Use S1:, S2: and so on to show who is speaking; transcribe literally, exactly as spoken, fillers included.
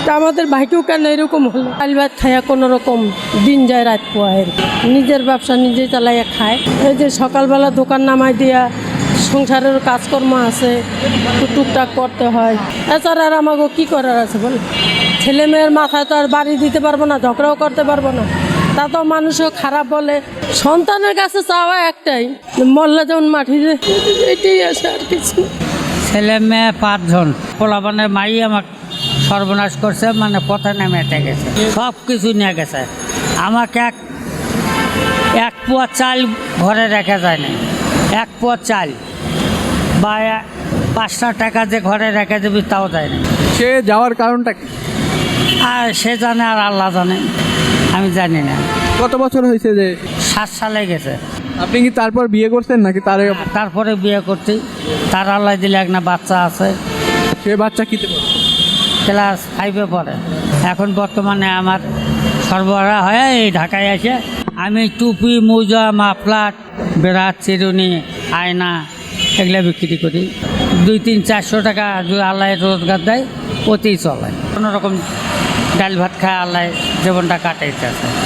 S1: আমাদের ভাইকেও কেন এরকম হলো, ডাল ভাত খাইয়া কোনো রকম দিন যায় রাত পোয়ায়, নিজের ব্যবসা নিজে চালাইয়া খায়। এই যে সকালবেলা দোকান নামাই দিয়া সংসারের কাজকর্ম আছে, টুকটাক করতে হয়। এছাড়া আর আমাকে কী করার আছে বল, ছেলে মেয়ের মাথায় তো আর বাড়ি দিতে পারবো না, ঝগড়াও করতে পারবো না। তা তো মানুষও খারাপ বলে। সন্তানের কাছে চাওয়া একটাই, মল্লা যেমন মাটিতে, এটাই আছে, আর কিছু।
S2: ছেলে মেয়ে পাঁচজন, পোলাপানের মাই আমার সর্বনাশ করছে, মানে পথে নেমে গেছে, সব কিছু নিয়ে গেছে। আমাকে এক এক পোয়া চাল ঘরে রেখে যায় না, এক পোয়া চাল বা পাঁচটা টাকা যে ঘরে রেখে দেবে তাও যায় না।
S3: সে যাওয়ার কারণটা কি?
S2: আর সে জানে আর আল্লাহ জানে, আমি জানি না।
S3: কত বছর হয়েছে যে?
S2: সাত সালে গেছে।
S3: আপনি কি তারপর বিয়ে করছেন নাকি তার?
S2: তারপরে বিয়ে করছি, তার আল্লাহ দিলে একটা বাচ্চা আছে।
S3: সে বাচ্চা কিতে পড়ে?
S2: ক্লাস ফাইভে পড়ে। এখন বর্তমানে আমার সরবরাহ হয়ে এই ঢাকায় এসে আমি টুপি, মোজা, মাফলার, বেড়াত, চিরুনি, আয়না এগুলো বিক্রি করি। দুই তিন চারশো টাকা যদি আল্লাহ রোজগার দেয় ওতেই চলে। কোনো রকম ডাল ভাত খায় আল্লাহ জীবনটা কাটাইতে আছে।